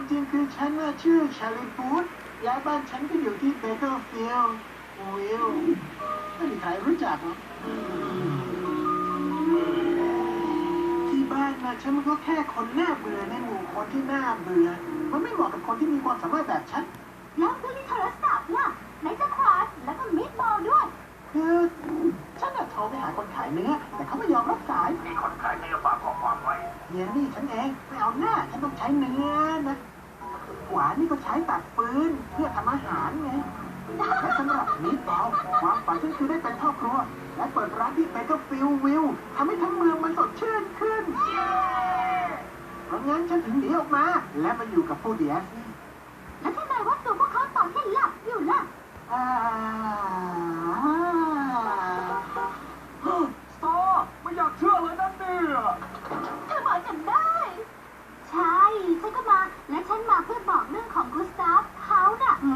จริงคือฉันน่ะชื่อชาลีฟูดย้ายบ้านฉันก็อยู่ที่เบเกอร์ฟิลด์วิลไม่มีใครรู้จักหรอกที่บ้านนะฉันก็แค่คนหน้าเบื่อในหมู่คนที่หน้าเบื่อมันไม่เหมาะกับคนที่มีความสามารถแบบฉันแล้วดูที่โทรศัพท์ล่ะไหนจะควาสแล้วก็มิดบอลด้วยคือฉันน่ะโทรไปหาคนขายเนื้อแต่เขาไม่ยอมรับสายมีคนขายเนื้อฝากข้อความไว้เนี่ยนี่ฉันเองไม่เอาหน้าฉันต้องใช้เนื้อนะหวานนี่ก็ใช้ตัดฟืนเพื่อทำอาหารไงและสำหรับมิตรบอลความฝันฉันคือได้เป็นพ่อครัวและเปิดร้านที่เบเกอร์ฟิลด์วิวทำให้ทั้งเมืองมันสดชื่นขึ้นเพราะงั้นฉันถึงหนีออกมาและมาอยู่กับผู้เดียสนี่แล้วทำไมว่าตัวพวกเขาตอนที่หลับอยู่ล่ะสตอไม่อยากเชื่อเลยนั่นเนี่ยเธอมาจำได้ใช่ฉันก็มาและฉันมาเพื่อบอกเรื่องของกุสตาฟเขาน่ะ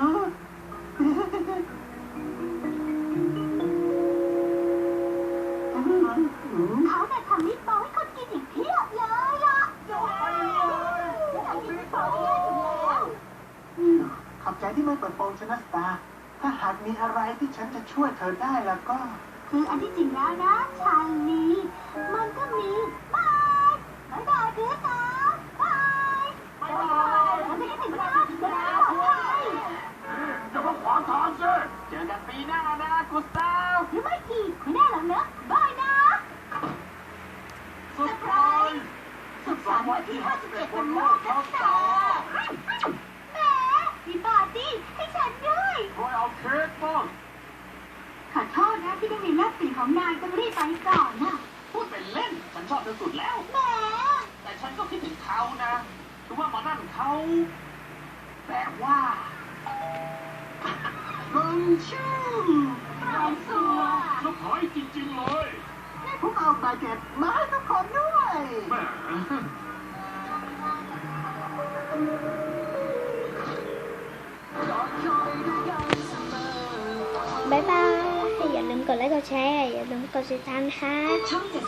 เขาเนี่ยทำมิตรบอลให้คนกินอีกเพียบเลยล่ะอยากกินมิตรบอลที่แย่ถึงแล้วขอบใจที่ไม่เปิดโปงชนะสตาร์ถ้าหากมีอะไรที่ฉันจะช่วยเธอได้แล้วก็คืออันที่จริงแล้วนะชาลีมันก็มีบายบายคือสาวบายฉันจะได้ถึงบ้านจะได้ปลอดภัยอย่ามาขวางทางสิเจอกันปีหน้านะกุสตาฟหรือไม่กี่ไม่ได้หรอกเนอะบายนะเซอร์ไพรส์สุขสันต์วันที่51วันโลกครับสาวแหมมีปาร์ตี้ให้ฉันด้วยคอยเอาเค้กบ้างขอโทษนะที่ได้มีแลกเปลี่ยนของนายต้องรีบไปก่อนนะพูดเป็นเล่นฉันชอบเธอสุดแล้วแหมแต่ฉันก็คิดถึงเขานะคือว่ามานั่นเขาแต่ว่าบังชื่อน้องสัวลูกหอยจริงๆเลยนี่ผมเอาบาเก็ตมาให้ทุกคนด้วยแหมบ๊ายบายอย่าลืมกดไลค์กดแชร์อย่าลืมกดติดตามค่ะช่อง